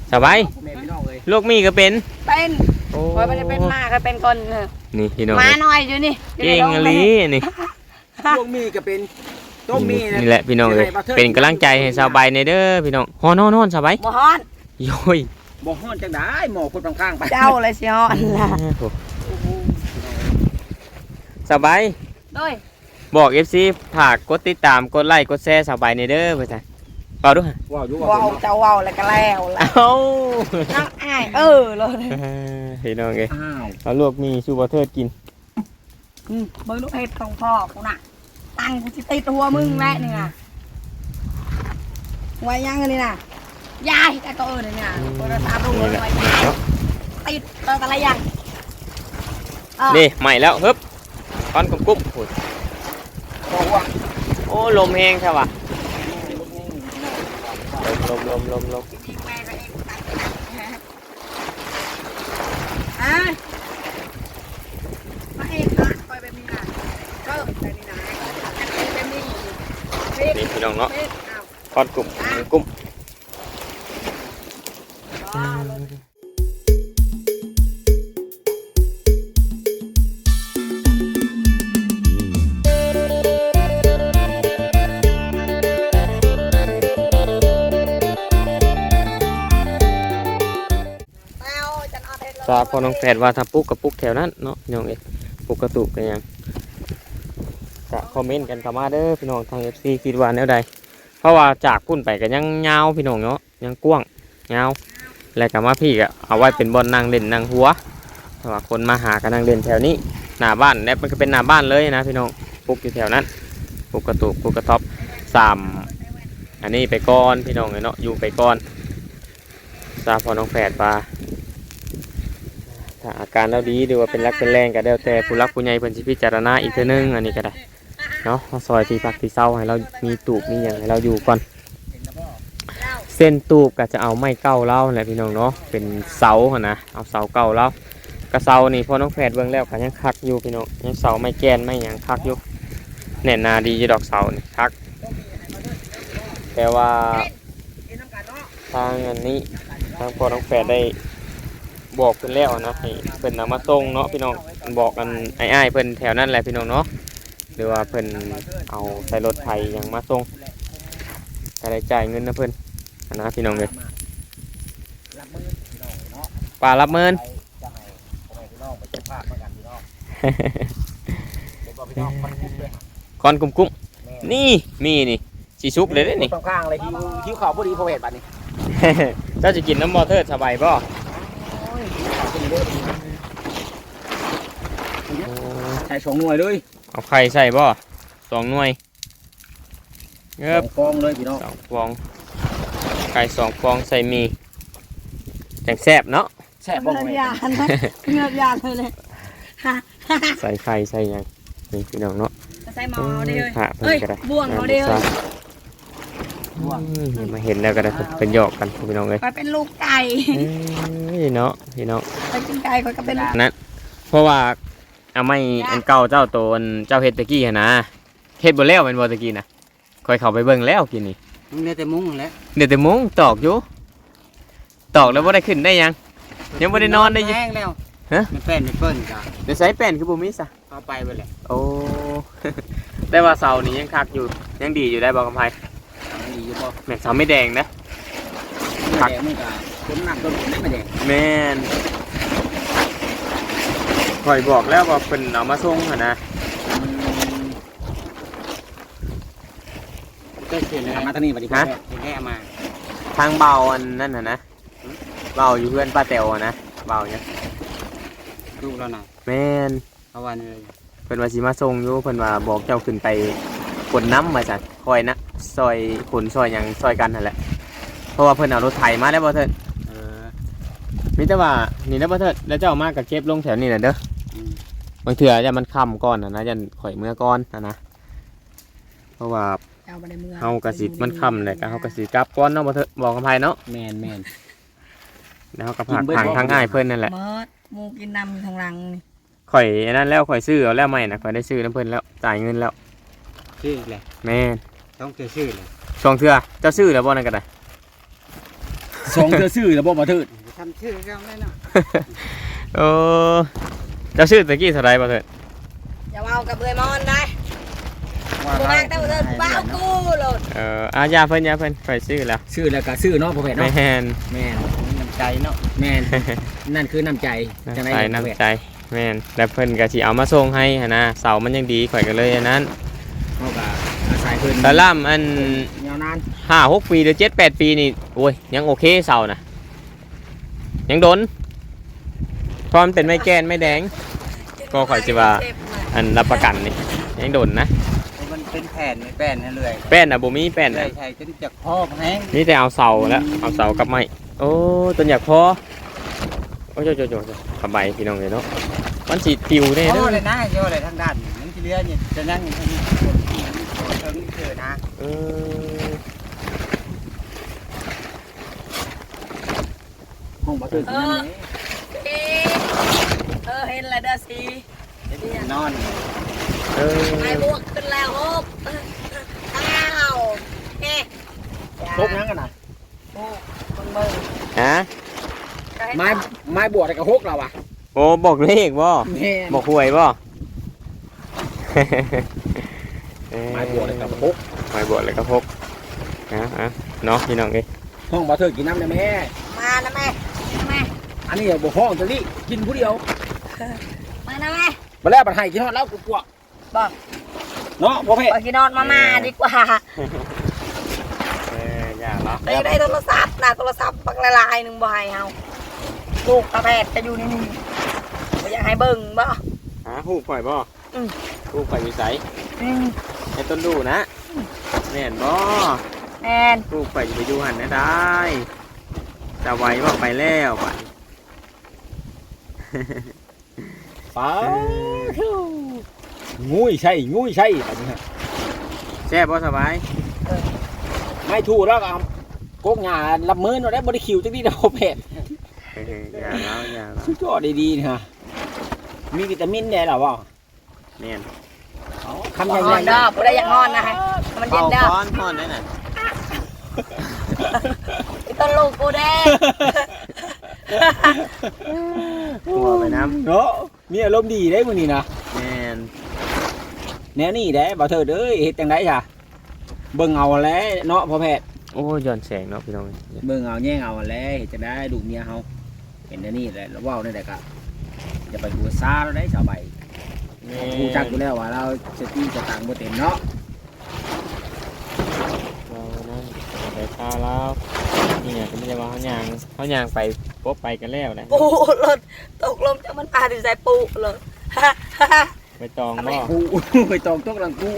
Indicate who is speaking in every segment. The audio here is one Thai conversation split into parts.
Speaker 1: สบายลูกมีก็เป็น
Speaker 2: โอ้ยไม่ได้เป็นมาก็เป็นคน
Speaker 1: นี่พี่น้อง
Speaker 2: มาหน่อยอยู่นี่
Speaker 1: เก่งอลีนี่
Speaker 3: ลูกมีก็เป็นต้มมี
Speaker 1: นี่แหละพี่น้องเลยเป็นกำลังใจให้สบายในเด้อพี่น้องฮอนสบาย
Speaker 2: บ่ฮ้อน
Speaker 1: โย้ย
Speaker 3: บ่ฮ้อนจังได้หมอคนข้างๆไป
Speaker 2: เจ้าเลยสิฮ้อนล่ะ
Speaker 1: สบาย
Speaker 2: ด้วย
Speaker 1: บอก FC ฝากกดติดตามกดไลค์กดแชร์สบายในเด้อไปจ้ะเปล่าดูฮะ
Speaker 3: ว้าว
Speaker 2: เจ้าว้าวแล้วก็แล้วล่ะ
Speaker 1: เอ้า
Speaker 2: น้องอ้ายเลย
Speaker 1: พี่น้องเอ้ยเอาลวกมีชูบะเทิดกิน
Speaker 2: เบิ่งลูกเห็ดของพ่อกูน่ะตังกูสิติดหัวมึงแม่นี่น่ะไว้ยังนี่น่ะยายแต่ก็นี่น่ะโทรศัพท์ลูกไว้ติดอะไรยัง
Speaker 1: นี่ใหม่แล้วฮึบก้อนกุ้มโอ้ลมแห้งใช่ป่ะลม
Speaker 2: มาเองนะคอยแบบนี้นะก็แบบนี้นะแบบนี้
Speaker 1: นี่พี่น้องเนาะก้อนกุ้มพอน้องแฝดว่าถ้าปุ๊กกับปุ๊กแถวนั้นเนาะพี่น้องเอ้ปุ๊กกระตุกกันยังจะคอมเมนต์กันเข้ามาเด้อพี่น้องทาง FC คิดว่าแนวใดเพราะว่าจากพุ่นไปกันยังยาวพี่น้องเนาะยังกว้างยาวแล้วก็มาพี่ก็เอาไว้เป็นบอลนั่งเล่นนั่งหัวเพราะว่าคนมาหากันนั่งเล่นแถวนี้หน้าบ้านเนี่ยมันก็เป็นหน้าบ้านเลยนะพี่น้องปุ๊กอยู่แถวนั้นปุ๊กกระตุกปุ๊กกระท็อป3อันนี้ไปก่อนพี่น้องเนาะอยู่ไปก่อนพอน้องแฝดว่าถ้าอาการเราดีหรือว่าเป็นรักเป็นแรงก็แล้วแต่ผู้รักผู้ใหญ่เพิ่นสิพิจารณาอีกเทื่อนึงอันนี้ก็ได้เนาะซอยที่พักที่เศร้าให้เรามีตูบมีอย่างให้เราอยู่ก่อนเส้นตูบก็จะเอาไม้เก้าเล่าแหละพี่น้องเนาะเป็นเสาหั่นนะเอาเสาเก้าเล่ากระเสานี่พอน้องแฝดเบิ่งแล้วก็ยังคักอยู่พี่น้องยังเสาไม้แกนไม้หยังคักอยู่แน่นหนาดีอยู่ดอกเสานี่คักแต่ว่าทางอันนี้ทางพอน้องแฝดได้บอกเพิ่นแล้วนะให้เพิ่นนำมาส่งเนาะพี่น้องบอกกันอ้ายเพิ่นแถวนั้นแหละพี่น้องเนาะหรือว่าเพิ่นเอาใส่รถไถยังมาส่งก็ได้จ่ายเงินนะเพิ่นนะพี่น้องเลยป่ารับเมินก้อนกุ้มนี่มีนี่สีซุปเลยได้นี่
Speaker 3: ข้างๆเลยหิวข้าวพอดีพอเวทบัดนี้
Speaker 1: เจ้าจะกินน้ำมอเตอร์สบายป่ะ
Speaker 3: ใส่2 หน่วยเลย
Speaker 1: เอาไข่ใส่บ่2 หน่วย
Speaker 3: เงือบฟองเลยพี่น้อง
Speaker 1: 2 ฟองไข่2 ฟองใส่มีจังแซ่บเนาะ
Speaker 3: แซ่บบ่
Speaker 2: เงือบยานเลย
Speaker 1: ใส่ไข่ใส่ยังนี่พี่น้องเนาะ
Speaker 2: ใส่หม้อเด้อบ่วงเขาเด้อ
Speaker 1: มาเห็นแล้วก็ได้เป็นหยอกกันพี่น้องเลย
Speaker 2: ไปเป็นลูกไก่
Speaker 1: เนาะพี่น้อง
Speaker 2: ไปกินไก่ก็เป็น
Speaker 1: นั้นเพราะว่าเอาไม่อันเก่าเจ้าโตนเจ้าเฮ็ดตะกี้นะเฮ็ดบ่แล้วเป็นบ่ตะกี้นะคอยเข้าไปเบิ่งแล้วกินนี่
Speaker 3: เดี๋ยวแต่มุ้งแล้ว
Speaker 1: เดี๋ยวแต่มุ้งตอกอยู่ตอกแล้วบ่ได้ขึ้นได้ยังบ่ได้นอนได้
Speaker 3: ยังแห้งแล้ว
Speaker 1: ฮะ
Speaker 3: มันเป็นเปิ้นจ้ะ
Speaker 1: เดี๋ยวใส่แป้นคือบ่มีซะ
Speaker 3: เอาไปเบิดแหละ
Speaker 1: โอ้ได้ว่าเสานี่ยังคักอยู่ยังดีอยู่ได้บ่กำไผ
Speaker 3: ดีอยู่บ่
Speaker 1: แม่นเสาไม่แดงนะ
Speaker 3: คักมันก็ต้นน้ำต้นไม่แดง
Speaker 1: แม่นคอยบอกแล้วว่าเพิ่นเอามาส่งหั่นนะ
Speaker 3: ก็เขียนเลยมาทางนี้บัดนี้ฮะแค่มา
Speaker 1: ทางเบาอันนั่นน่ะนะเบาอยู่เพื่อนป้าแต๋วนะเบาเนี่ย
Speaker 3: ลูกแล้วน่ะ
Speaker 1: แม่น
Speaker 3: เอาวันเลย
Speaker 1: เพิ่นว่าสิมาส่งอยู่เพิ่นว่าบอกเจ้าขึ้นไปขนน้ำมาจัดคอยนะซอยขนซอยหยังซอยกันนั่นแหละเพราะว่าเพิ่นเอารถไถมาแล้วบ่เถิดมีแต่ว่านี่นะบ่เถิดแล้วเจ้ามาก็เก็บลงแถวนี้น่ะเด้อบางเทื่อจะมันค่ำก่อนนะยันข่อยเมื่อก่อนนะเพราะว่าเฮากระสิมันค่ำเลยก็เฮากระสิกลับก่อนเนาะบ่เถิดบอกกับไผเนาะ
Speaker 3: แม่น
Speaker 1: แล้วเฮาก็ผักทางง่ายเพิ่นนั่นแหละ
Speaker 2: หมูกินน้ำทางหลังนี่
Speaker 1: ข่อยนั่นแล้วข่อยซื้อเอาแล้วใหม่น่ะข่อยได้ซื้อน้ำเพิ่นแล้วจ่ายเงินแล้ว
Speaker 3: ซื้อเลย
Speaker 1: แม่
Speaker 3: ต้องซื้อเลย
Speaker 1: 2 เทื่อเจ้าซื้อแล้วบ่นั่นก็ได้
Speaker 3: สองเธอซื้อแล้วบ่มาเถิด
Speaker 4: ทำชื่อเขาได้เนาะ
Speaker 1: โอ้เจ้าชื่อตะกี้เท่าไรบ่เถิด
Speaker 2: อย่าเอากับเบยมอนได้กูมากแต่เดินบ้ากูโหลด
Speaker 1: ยาเพิ่นข่อยซื้อแล้ว
Speaker 3: ซื้อแล้วก็ซื้อเนาะพ่อแพทย์
Speaker 1: แม่
Speaker 3: เนาะ
Speaker 1: น
Speaker 3: แม่น
Speaker 4: น้ำใจเนาะ
Speaker 3: แม่นนั่นคือน้ำใจจังได๋
Speaker 1: ใส่
Speaker 3: พ่อแพทย์
Speaker 1: น้ำใจแม่นแล้วเพิ่นก็สิเอามาส่งให้หั่นนะเสามันยังดีข่อยก็เลยอันนั้น
Speaker 3: เฮาก็อาศัยเพิ่น
Speaker 1: แต่ล่ำอัน
Speaker 3: ยาวนาน
Speaker 1: 5-6 ปีหรือ7-8 ปีนี่โอ้ยยังโอเคเสานะยังโดนเพราะมันเป็นไม้แกนไม้แดง ก็ข่อยสิว่า อันรับประกันนี่ยังโดนนะ
Speaker 4: มันเป็นแผ่นไม่แป้นนั่นเลย
Speaker 1: แป้นน่ะบ่มีแป้น
Speaker 4: ใช่
Speaker 1: น่ะ
Speaker 4: ใช่จนจะครอบแห้ง
Speaker 1: มีแต่เอาเสาแล้วเอาเสากับไม้โอ้ต้นอยากพอโอ้โจสบายพี่น้องเลยเนาะมันสิปิวได้
Speaker 4: โอ้
Speaker 1: เด้อ
Speaker 4: เลยนะโยเลยทางด้านมันที่เรือเนี่ยจะนั่งทางนี้คนที่เชิงเจอนะ
Speaker 1: เออ
Speaker 3: ห้องบ่เถิดนั่นเด้
Speaker 2: เห็นอะไรเด้อสิ
Speaker 4: นอน
Speaker 1: เออ
Speaker 2: ไอ้บวกขึ้นแล้วฮบอ้าวเอ๊ะ
Speaker 3: พกยังกันน่ะ
Speaker 2: โอ้คนเบิ่ง
Speaker 1: ฮะ
Speaker 3: ไม้บวชกับฮกเราอ่ะ
Speaker 1: โอ้บอกเลขบ่
Speaker 3: แม่น
Speaker 1: บอกหวยบ่
Speaker 3: ไม้บวชกับฮก
Speaker 1: ไม้บวชเลยก็พกเนาะพี่น้องเอ้ย
Speaker 3: ห้องบ่เถิดกินน้ำได้แม่
Speaker 2: มานะแม่แม่
Speaker 3: อันนี้บ่ห้องจังนี้กินผู้เดียว
Speaker 2: มานะแม่
Speaker 3: บ่แล้วบัดให้กินฮอดแล้วกูกลัว
Speaker 2: บอก
Speaker 3: เนาะพ่อแพท
Speaker 2: ไป
Speaker 3: ย์
Speaker 2: กินนอนมาดีกว่า
Speaker 1: อย่าเนาะ
Speaker 2: ได้โทรศัพท์นะโทรศัพท์ปักละลายหนึ่งบ่ให้เฮาลูกตาแพทย์จะอยู่นี่อยากให้เบิ่งบ่
Speaker 1: หูปล่อยบ่หูปล่อยวิสัยให้ต้นดูนะแม่นบ่
Speaker 2: แมน
Speaker 1: หูปล่อยไปอยู่หันนะได้จะไว้บ่ไปแล้วบัด
Speaker 3: ป้างูใช่อันนี้ฮะ
Speaker 1: แซ่บบ่สบาย
Speaker 3: ไม่ถูกแล้วก็กกหญ้ารับมือเนาะได้บ่ได้คิวจังนี้นะพ่อแพทย์
Speaker 1: อย่าแล้ว
Speaker 3: สุดยอดดีๆนะฮะมีวิตามินแน่หรอวะ
Speaker 1: แม่น
Speaker 3: คำ
Speaker 2: น
Speaker 3: ให
Speaker 2: อ
Speaker 3: ญ่
Speaker 2: นเด้อผู้ใดอยากนอนนะฮะมันเย็นเด้อ
Speaker 1: ฮ้อนได้น่ะ
Speaker 2: ต้นลูกกูเด้
Speaker 1: หัวไปน้
Speaker 3: ๆเนาะมีอารมณ์ดีได้มื้อนี้นะ
Speaker 1: ำแม่น
Speaker 3: แนวนี้ได้บ่เถิดเอ้ยเฮ็ดจังได๋จ้ะเบิ่งเอาแหล้วเนาะพ่อแพทย์
Speaker 1: โอ้ย้อนแสงเนาะพี่น้อง
Speaker 3: เบิ่งเอาแย่งเอาแหล้วเฮ็ดจังได๋ลูกเมียเฮาเห็นแนวนี้แหละแล้วเว้าได้แต่ก็อย่าไปหัวซาแล้วได้สาวใบรู้จักอยู่แล้วว่าเราสติสตางค์บ่เต็มเนาะ
Speaker 1: เรานั่นไปพาแล้วนี่เนี่ยก็ไม่ใช่ว่าเขายางไปพบไปกันแล้วนะ
Speaker 2: ปูหล่นตกลมจากมันปลาถึงใส่ปูเลยฮ่าฮ่าฮ่า
Speaker 1: ไปตองบ่
Speaker 3: กู ไปตองตกหลังกู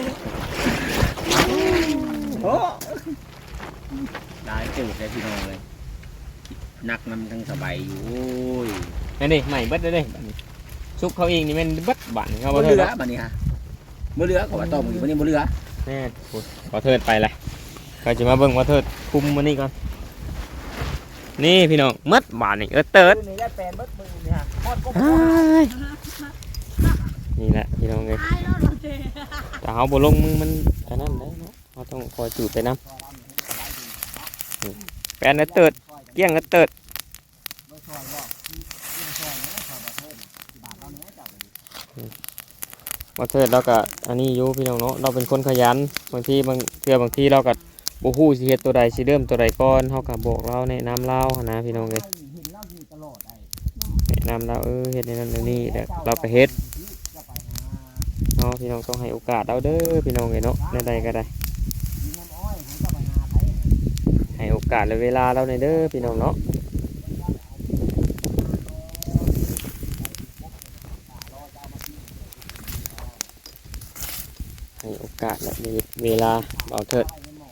Speaker 3: โอ้ได้เติบได้พี่น้องเลยนักนำทั้งสบายอยู่โอ้ย
Speaker 1: นั่นดิใหม่เบิดเลยบัดนี้ซุกเขาเองนี่แมันเบิดบัดนี่เขา
Speaker 3: บ่
Speaker 1: บ่
Speaker 3: เห
Speaker 1: เทิ
Speaker 3: ลื
Speaker 1: ด
Speaker 3: อบัดนี้ฮะบ่เหลือก็ว่าต้อมอยู่บัดนี้บ่เหลือ
Speaker 1: แน่พูดขอเทิดไปเลยก็จะมาเบิ่งว่าเทิดคุมมันนี่ก่อนนี่พี่น้องมัดบาดนี่เติร์ด
Speaker 3: นี่ได้แปลนเบิดมือนี่ฮะฮอดก็
Speaker 1: นี่แหละพี่น้องเลยแต่เขาบ่ลงมือมันอันนั้นได้เนาะเขาต้องคอยจูดไปน้ำแปลนเติร์ดเกี้ยงเติร์ดว่าเทิดเราก็อันนี้อยู่พี่น้องเนาะเราเป็นคนขยันบางทีบางทีเราก็บ่ฮู้สิเฮ็ดตัวใดสิเริ่มตัวใดก่อนเฮาก็บอกเราแนะนำเราหั้นนะพี่น้องเอ้ยแนะนำเราเฮ็ดในนั้นในนี้แล้วเราก็เฮ็ดเนาะพี่น้องต้องให้โอกาสเราเด้อพี่น้องเอ้ยเนาะในใดก็ได้ให้โอกาสและเวลาเราในอยเด้อพี่น้องเนาะให้โอกาสและเวลาเบาเถิด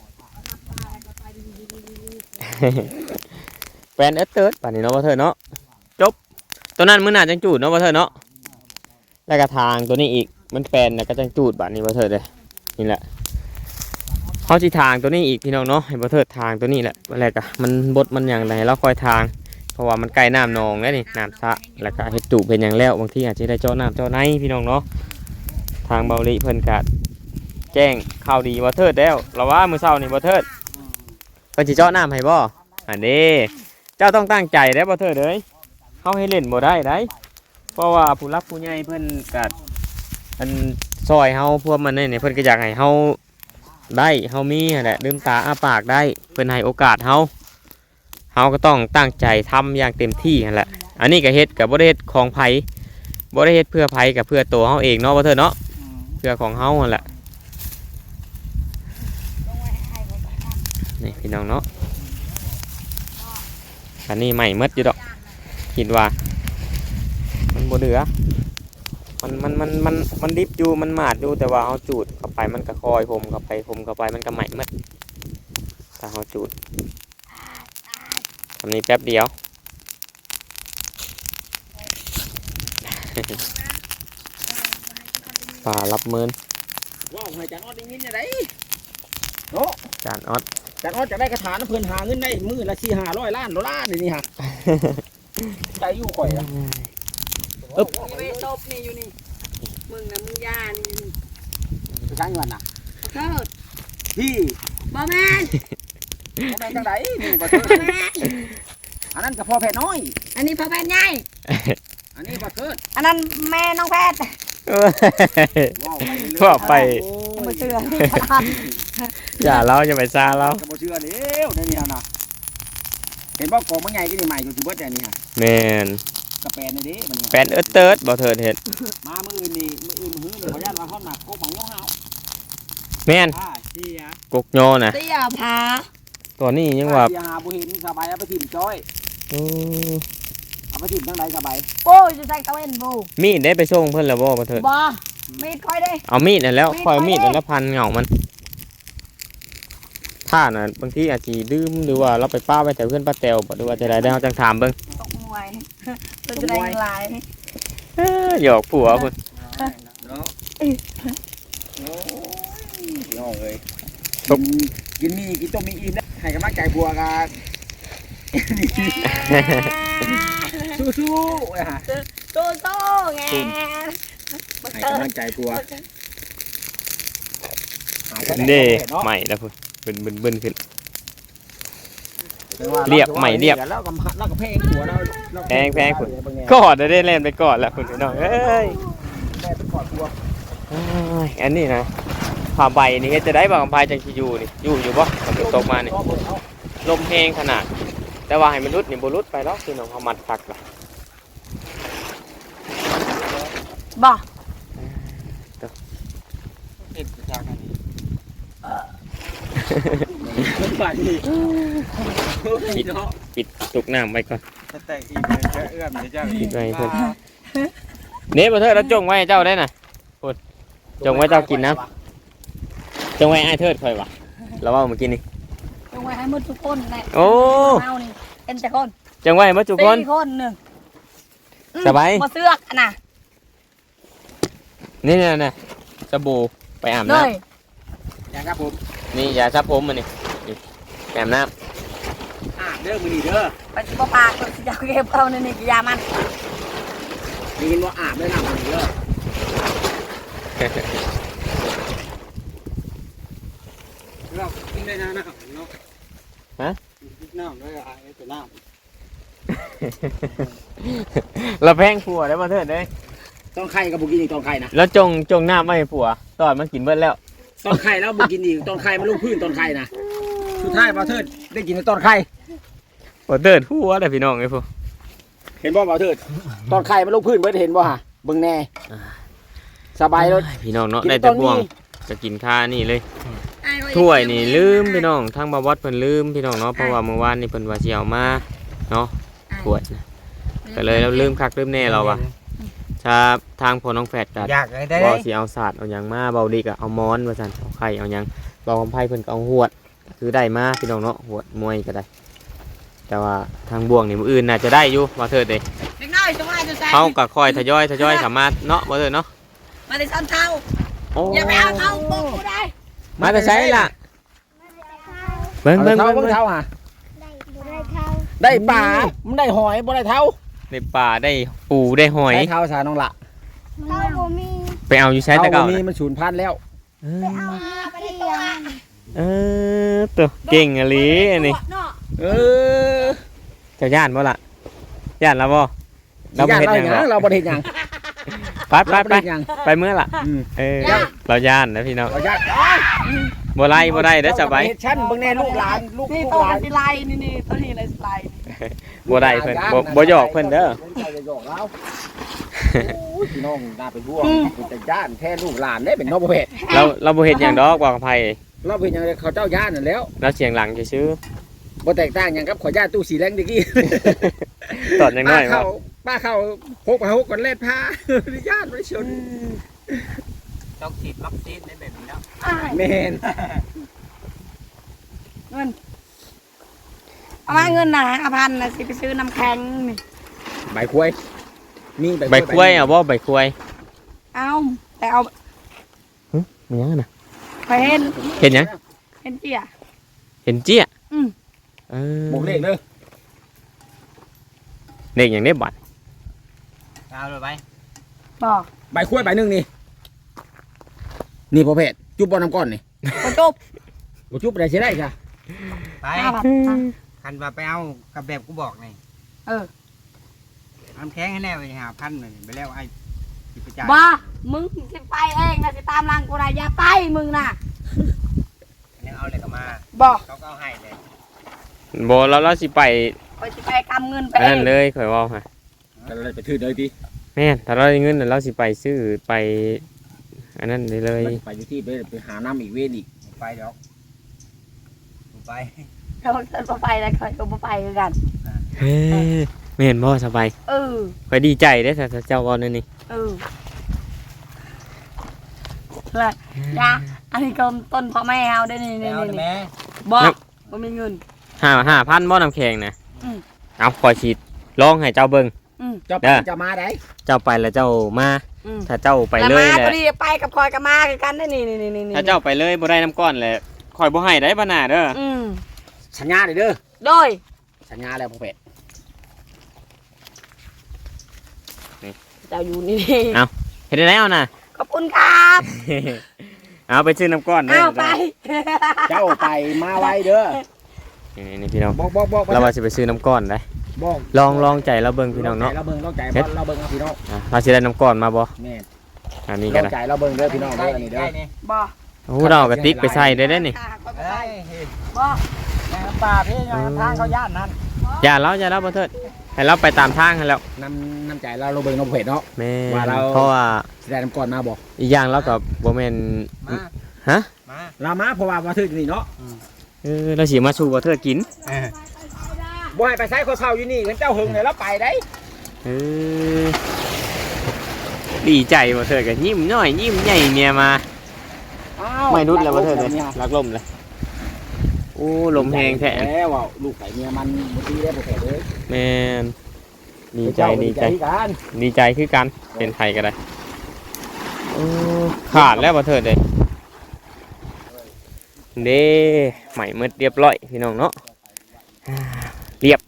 Speaker 1: แฟนเติร์ดป่านนี้เนาะว่าเธอเนาะจบตัวนั้นมื้อหน้าจังจูดเนาะว่าเธอเนาะแล้วก็ทางตัวนี้อีกมันแฟนแล้วก็จังจูดป่านนี้ว่าเธอเลยนี่แหละเขาสิทางตัวนี้อีกพี่น้องเนาะให้บ่เธอทางตัวนี้แหละแล้วก็มันบดมันอย่างไรเราคอยทางเพราะว่ามันใกล้น้ำนองแล้วนี่น้ำสระแล้วก็เฮ็ดตูเป็นอย่างแล้วบางทีอาจจะได้เจาะน้ำเจาะในพี่น้องเนาะทางเบาลิเพิ่นก็แจ้งข่าวดีว่าเธอแล้วเราว่ามื้อเช้านี่บ่เธอเพิ่นสิเจาะน้ำให้บ่
Speaker 4: เ
Speaker 1: อันนี้เจ้าต้องตั้งใจได้บ่เถิดเอ้ยเฮาให้เล่นบ่ได้ได้เพราะว่าผู้รักผู้ใหญ่เพิ่นก็อันซอยเฮาพวกมันนี่เพิ่นก็อยากให้เฮาได้เฮามีนั่นแหละลืมตาอ้าปากได้เพิ่นให้โอกาสเฮาก็ต้องตั้งใจทำอย่างเต็มที่นั่นแหละอันนี้ก็เฮ็ดก็บ่ได้เฮ็ดของไผบ่ได้เฮ็ดเพื่อไผก็เพื่อตัวเฮาเองเนาะบ่เถิดเนาะเพื่อของเฮานั่นแหละนี่พี่น้องเนาะอันนี้ใหม่หมดอยู่ดอกคิดว่ามันบ่เหลือมันดิบอยู่มันหมาดอยู่แต่ว่าเอาจูดเข้าไปมันก็คอยผมเข้าไปมันก็ใหม่หมดถ้าเอาจูดทำนี้แป๊บเดียว ป่ารับมืน
Speaker 3: ว้าวให้จานออดได้ยินยังไง
Speaker 1: จานออด
Speaker 3: จานออดจะได้กระถางเพิ่นหาเงินได้มื้อละ400-500 ล้านดอลลาร์นี่ฮะใจอยู่ข่อยอ่ะ
Speaker 2: ไปตบนี่อยู่นี่มึงนะมึงย่านี่
Speaker 3: ไปช่างเงินน่ะ
Speaker 2: ขอโทษ
Speaker 3: พี่
Speaker 2: บ่แม่น
Speaker 3: บ่แม่นจังไดนี่บ่เถิด
Speaker 2: บ่แม่น
Speaker 3: อันนั้นก็พ่อแพทย์น้อย
Speaker 2: อันนี้พ่อแพทย์ใหญ่
Speaker 3: อันนี้บ่เถิด
Speaker 2: อันนั้นแม่น้องแพทย์
Speaker 1: พ่อไป
Speaker 2: บ่เชื่อ
Speaker 1: อย่าเราจะไปซาเรา
Speaker 3: ก็บ่เชื่อแล้วนี่ฮะน่ะเห็นบ่กองมันใหญ่ก็นี่ใหม่อยู่ที่เบิดแต่นี่ฮะ
Speaker 1: แมน
Speaker 3: กระแปนนี่เด้มัน
Speaker 1: แปนเอิร์ดเติร์ดบ่เถิดเห็ด
Speaker 3: มามื้ออื่นนี่มื้ออื่นมื้อนี่ขออนุญาตว่าฮอดหนักโกของโยเฮา
Speaker 1: แมน
Speaker 3: เสีย
Speaker 1: กกโยนะ
Speaker 2: เตี้ยผา
Speaker 1: ตัวนี้ยังว่า
Speaker 3: เสียหาบ่เห็นสบายเอาไปถิ่มจ้อย
Speaker 1: โอ้
Speaker 3: เอาไปถิ่มทางใดสบาย
Speaker 2: โอ้ยจะใส่ตะเวนบู
Speaker 1: มีดได้ไปส่งเพิ่นแล้วบ่เถิด
Speaker 2: บ่มีดค่อยได้
Speaker 1: เอามีดนั่นแล้วค่อยเอามีดนั่นแล้วพันเหงามันถ้าน่ะบางทีอาจสิลืมหรือว่าเราไปป้าไว้แต่เพื่อนป้าแตวบ่หรือว่าจะได้เฮาจังถามเบิ่ง
Speaker 2: ตกมวยเราจะได้เงินหลาย
Speaker 1: หยอกผัวพุ่น
Speaker 3: เนาะโอ้ยน้องเอ้ย
Speaker 1: ตุ๊บ
Speaker 3: กินมีกินต้มมีอิ่มนะให้กำลังใจผัวกันสู้ๆไอ้ห่า
Speaker 2: โตโตไง
Speaker 3: ให้กำลังใจผัว
Speaker 1: เด้ใหม่แล้วพุ่นบึนขึ้น เรียบใหม่เรียบ
Speaker 3: แล้วก็แพงผัวเรา
Speaker 1: แพงพุ่นกอดได้เล่นไปกอดแล้วพุ่นพี่น้องเอ้ย
Speaker 3: แม่เป็นกอดผัว
Speaker 1: อ้ายอันนี้นะผ้าใบนี่เฮ็ดจะได้บ่กำพายจังสิอยู่นี่อยู่บ่ฝนตกมานี่ลมแห้งขนาด แต่ว่าให้มันรุดนี่บ่รุดไปหรอกพี่น้องเฮามัดคักล่ะ
Speaker 2: บ่
Speaker 4: เฮ็ดจากอันนี้
Speaker 3: บ้านนี่
Speaker 1: ปิดตุกน้ำไว้ก่อน
Speaker 4: ถ้าแต่งอีกเลยจะเอื้อมจะ
Speaker 1: ปิดไว้เพิ่น เน่บ่เถิดแล้วจงไว้ให้เจ้าได้น่ะพุ่นจงไว้เจ้ากินนะจงไว้อ้ายเถิดค่อยว่ะแล้วว่าเมื่อกี้นี่
Speaker 2: จงไว้ให้หมดทุกคนแหละ
Speaker 1: โอ้
Speaker 2: เฮานี่เป็นแต่คน
Speaker 1: จงไว้หมดทุกคน
Speaker 2: 4คนหนึ่ง
Speaker 1: สบาย
Speaker 2: บ่เสือกน่ะ
Speaker 1: นี่น่ะสบู่ไปอาบ
Speaker 2: เล
Speaker 1: น้ำ
Speaker 2: ย
Speaker 3: อย่างครับผม
Speaker 1: นี่ยาซับผมมันนี่นี่แอมน้
Speaker 3: เด้อมือนี่เด้อ
Speaker 2: ไปบ่ปากก็สิเอาเก็บเอาในนี่กิยามัน
Speaker 3: มีกินว่าอาบได้น้ำมือนี่เด้อ
Speaker 4: เรากินได้นะนะครับเนาะกินน้ำด้วยอ่ะไอ้ตัวน้
Speaker 1: ำ เราแพงผัวได้มาเถิดเลย
Speaker 3: ต้องไข่กับบุกินอีกต้องไข่นะ
Speaker 1: แล้วจงน้ำไม่ให้ผัวตอนมันกินเบิดแล้ว
Speaker 3: ต้องไข่แล้วบุกินอีกต้องไข่มาลงพื้นต้นไข่นะสุดท้ายบ่าวเทิดได้กินในต้นไข่
Speaker 1: บ่เถิดผัวเลยพี่น้องไอ้พวก
Speaker 3: เห็นบ่บ่าวเทิดต้นไข่มาลงพื้นเบิดเห็นบ่ฮะเบิ่งแน่สบายเลย
Speaker 1: พี่น้องเนาะ
Speaker 3: กิน
Speaker 1: ได้
Speaker 3: ต้
Speaker 1: แต่
Speaker 3: น
Speaker 1: บ่วง
Speaker 3: นี้
Speaker 1: จะกินข้านี่เลย
Speaker 2: อ้ายว่า
Speaker 1: ถ้วยนี่ลืมพี่น้องทางบาวดเพิ่นลืมพี่น้องเนาะเพราะว่าเมื่อวานนี่เพิ่นว่าสิเอามาเนาะถ้วยนะก็เลยเราลืมคักลืมแน่เราว่ะถ้าทางพ่อน้องแฝดก็
Speaker 4: ำอยากได้
Speaker 1: บ่สิเอาศาสตร์เอาหยังมาเบาดีก็เอาม้อนว่าซั่นเอาไข่เอาหยังเบาคำไผเพิ่นก็เอาหวดคือได้มาพี่น้องเนาะหวดมวยก็ได้ แต่ว่าทางบ่วงนี่มื้ออื่นน่าจะได้อยู่ว่าเถิดเด้
Speaker 2: เด็กน้อยจงไว้จะใส่
Speaker 1: เฮาก็ค่อยทยอยสามารถเนาะบ่เถิดเนาะ
Speaker 2: มาได้ซ้ำเท่า
Speaker 1: โอ้
Speaker 2: อย่าไปเอาเท่าปุ๊บกูได้
Speaker 1: มาแต่ใช้ล่ะเบิ่ง
Speaker 3: เอา
Speaker 1: เบิ่ง
Speaker 3: เท้า
Speaker 1: เบิ่ง
Speaker 3: เบิ่ง
Speaker 1: เบิ่ง
Speaker 3: เท้าฮะ
Speaker 5: ได้เท่า
Speaker 3: ได้ปลามันได้หอยบ่ได้เท้า
Speaker 1: ในป่าได้ปูได้หอย
Speaker 3: ได้เท้าสาน้องละ
Speaker 5: เท่าบ่มี
Speaker 1: ไปเอาอยู่ใช้แต่
Speaker 3: เท้า
Speaker 1: เก่า
Speaker 3: บ่มี
Speaker 1: น่ะ
Speaker 3: มันสูญพันธุ์แล้ว
Speaker 1: เอ
Speaker 5: ไป
Speaker 1: อ
Speaker 5: เอามาไปเลี้ยง
Speaker 1: เออตัวเก่งอะลีอันนี้
Speaker 2: เนาะ
Speaker 3: เออ
Speaker 1: เจ้าย่านบ่ล่ะย่านแล้วบ่
Speaker 3: เราบ่เฮ็ดหยังเราบ่เฮ็ดหยัง
Speaker 1: ไปไป
Speaker 3: เรา
Speaker 1: ไป
Speaker 3: บ่เฮ็ดหยัง
Speaker 1: ไปเมื่อล่ะ
Speaker 3: อืม
Speaker 1: เออเราย่านนะพี่น้อง
Speaker 3: เราญาติ
Speaker 1: บ่ไล่บ่ได้เด้อสบาย
Speaker 3: เฮ็ดชั้นเบิ่งแน่ลูกหลานลูก
Speaker 2: นี่
Speaker 3: ลูก
Speaker 2: ตัว
Speaker 3: หลา
Speaker 2: มัน นสิไลนี่ตัวนี้เลยสิไล
Speaker 1: บ่ได้เพิ่นบ่หยอกเพิ่นเด้อ
Speaker 3: อย่าหยอกเราโอ้ยพี่น้องน่าเป็นห่วงเป็นแต่ย่านแท้ลูกหลานเด้เป็นน้องบ่เฮ็ด
Speaker 1: เราบ่เฮ็ดหยังดอกบอกกับไผ
Speaker 3: เราเป็นหยังเขาเจ้าย่านนั่นแล้ว
Speaker 1: เราเสียงหลังซื่อ
Speaker 3: บ่แตกต่างหยังกับขอย่าตู้สีแดงตะกี้
Speaker 1: ๆตอนยังน้อยว่า
Speaker 3: ป้าเข้าหกมาหกก่อนเล่นผ้าญาติไม่ชน
Speaker 4: ต้องฉีดวัคซีนในแบบนี้แล้ว
Speaker 3: เมน
Speaker 2: เงินเอามาเงินน่ะ5,000น่ะสิไปซื้อน้ำแข็งนี่
Speaker 3: ใบกล้วยมี
Speaker 1: ใบกล้วยเอาบ่ใบกล้วย
Speaker 2: เอาแต่เอา
Speaker 1: มีหยังน่ะ
Speaker 2: ไปเห็น
Speaker 1: เห็นหยัง
Speaker 2: เห็นเจีย
Speaker 1: เห็นเจี้ย
Speaker 2: อืม
Speaker 1: เออ
Speaker 3: บอกเลขเด้อ
Speaker 1: เลขหยังได้บัตร
Speaker 4: เอาเลยไป
Speaker 2: บอก
Speaker 3: ใบกล้วยใบหนึ่งนี่นี่พอเพชรจุบบอลน้ำก้อนนี่
Speaker 2: บ่จบ
Speaker 3: บ่จุบได้ใช่ได้จ้ะ
Speaker 4: ไป
Speaker 2: 5,000อ่ะ
Speaker 4: คันว่าไปเอากับแบบกูบอกนี่
Speaker 2: เออ
Speaker 4: น้ำแข็งให้แน่ไป5,000เลยไปแล้วไอ้สิไปจ่าย
Speaker 2: บ้ามึงสิไปเองนะสิตามรังกูนะอย่าไปมึงน่ะ
Speaker 4: ยังเอาเลยก็มา
Speaker 2: บอก
Speaker 4: เขาก็เอาให้เลย
Speaker 1: บ่เราสิไป
Speaker 2: คอยสิไปกำเงินไป
Speaker 1: อัน
Speaker 2: เอ
Speaker 1: นั้น
Speaker 2: ง
Speaker 1: เลยข่อยเว้าฮะ
Speaker 3: ก็เลยไปถือเลยพี่
Speaker 1: แม่นถ้าเราได้เงินน่ะเราสิไปซื้อไปอันนั้นได้เลย
Speaker 3: ไปอยู่ที่ไปหาน้ำอีกเวรอีก
Speaker 4: ไปเดี๋ยวกูไป
Speaker 2: เขาจะไปแล้วคอยก็บ่ไปคือกัน
Speaker 1: เฮ้ยแม่นบ่สบาย
Speaker 2: เออ
Speaker 1: ข่อยดีใจเด้อถ้าเจ้าเว้านั่นนี่
Speaker 2: เออแล้วยาอันนี้ก็ต้นพ่อแม่เฮาได้นี่
Speaker 4: ไป
Speaker 2: นี่
Speaker 4: เอาเลย
Speaker 2: นี่
Speaker 4: แม่
Speaker 2: บอกบ่มีเงิน
Speaker 1: 5,000บ่น้ำแข็งนะ
Speaker 2: อืม
Speaker 1: เอาข่อยสิลองให้เจ้าเบิ่ง
Speaker 2: อืม
Speaker 3: เจ้าไป
Speaker 1: เด้อ
Speaker 3: จะมาได้
Speaker 1: เจ้าไปแล้วเจ้ามา
Speaker 2: อืม
Speaker 1: ถ้าเจ้าไป
Speaker 2: แล้ว
Speaker 1: เลย
Speaker 2: มา
Speaker 1: แห
Speaker 2: พอ
Speaker 1: ละ
Speaker 2: ดีไปกับคอยกับมาคือกันได้นี่นี่นี่
Speaker 1: ถ้าเจ้าไปเลยบ่ได้น้ำก้อนแหละข่อยบ่ให้ได้บ่น่าเด้อ
Speaker 2: อืม
Speaker 3: สัญญาเลยเด้อ
Speaker 2: โดย
Speaker 3: สัญญาแล้วพอเพชร
Speaker 2: เจ้าอยู่นี่
Speaker 1: เฮ็ดได้แล้วน่ะ
Speaker 2: ขอบคุณครับ
Speaker 1: เอาไปซื้อน้ำก้อนเด้อ
Speaker 2: เอาไป
Speaker 3: เจ้าไปมาไว้เด้อ
Speaker 1: นี่พี่น้อง
Speaker 3: บอก
Speaker 1: เราว่าสิไปซื้อน้ำก้อนได้
Speaker 3: บอก
Speaker 1: ลองใจเราเบิ่งพี่น้องเนาะ
Speaker 3: เราเบิ่งเราใจเราเบิ่งเอาพี่น้อง
Speaker 1: อ่ะเราสิได้น้ำก้อนมาบ่
Speaker 3: แม่
Speaker 1: อันนี้
Speaker 3: เรา
Speaker 1: ก็ได้
Speaker 3: ใจเราเบิ่งเด้อพี่น้องเด้
Speaker 4: ได้
Speaker 3: ออัน
Speaker 4: นี่
Speaker 3: นี้เด้
Speaker 4: ได้
Speaker 3: อ
Speaker 4: นี่
Speaker 2: บ่
Speaker 1: โอ้เราเอากระติกไปใส่ได้ได้นี่
Speaker 4: เอ้ยเฮ้ย
Speaker 2: บ่
Speaker 4: น้ำปลาพี่ยังทางเขาย่านนั่น
Speaker 1: อย่าเราบ่เถิดให้เราไปตามทางให้แล้ว
Speaker 3: น้ำใจเราเบิ่งเราเพชรเนาะ
Speaker 1: แม่
Speaker 3: ว่าเรา
Speaker 1: เพราะว่า
Speaker 3: สิได้น้ำก้อนมาบอก
Speaker 1: อีกอย่างเราก็บ่แม่น
Speaker 4: มา
Speaker 1: ฮะ
Speaker 4: มา
Speaker 3: เรามาเพราะว่ามาถึงนี่เนาะ
Speaker 1: เราสิมาสู่บ่เถิดกิน
Speaker 4: เออ
Speaker 3: บ่ให้ไปใช้คนเฒ่าอยู่นี่เหมือนเจ้าหึงเนี่ยเราไปได้
Speaker 1: เออดีใจบ่เถิดก็ยิ้มน้อยยิ้มใหญ่เมียมา ไม่นุดแล้วบ่เถิดเลยรักลมเลยโอ้ลมแห้งแท้
Speaker 3: แล้วว่าลูกไก่เมียมันบ่ดีได้บ่แท้เลย
Speaker 1: แม่นดีใจ
Speaker 3: กัน
Speaker 1: ดีใจคือกันเป็นไทยก็ได้โอ้ขาดแล้วบ่เถิดเลยเด้ใหม่หมดเรียบร้อยพี่น้องเนาะเรียบ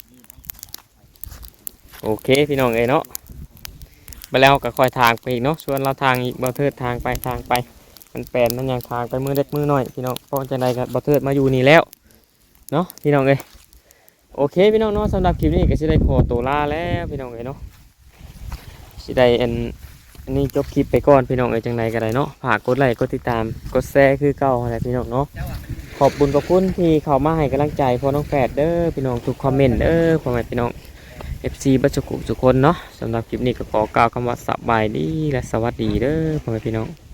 Speaker 1: โอเคพี่น้องเอ้ยเนาะไปแล้วก็ค่อยทางไปอีกเนาะชวนเราทางอีกบ่เถิดทางไปมันแปลนมันยังทางไปมือเล็กมือน้อยพี่น้องเพราะจังใดก็บ่เถิดมาอยู่นี่แล้วเนาะพี่น้องเอ้ยโอเคพี่น้องเนาะสำหรับคลิปนี้ก็สิได้ขอตัวลาแล้วพี่น้องเอ้ยเนาะสิได้อันนี้จบคลิปไปก่อนพี่น้องเอ้ยจังใดก็ได้เนาะฝากกดไลค์กดติดตามกดแชร์คือเก่าอะไรพี่น้องเนาะขอบคุณที่เข้ามาให้กำลังใจพ่อน้องแฝดเด้อพี่น้องทุกคอมเมนต์เด้อพ่อแม่พี่น้อง FC บัจจุกุทุกคนเนาะสำหรับคลิปนี้ก็ขอกล่าวคำว่าสบายดีและสวัสดีเด้อพ่อแม่พี่น้อง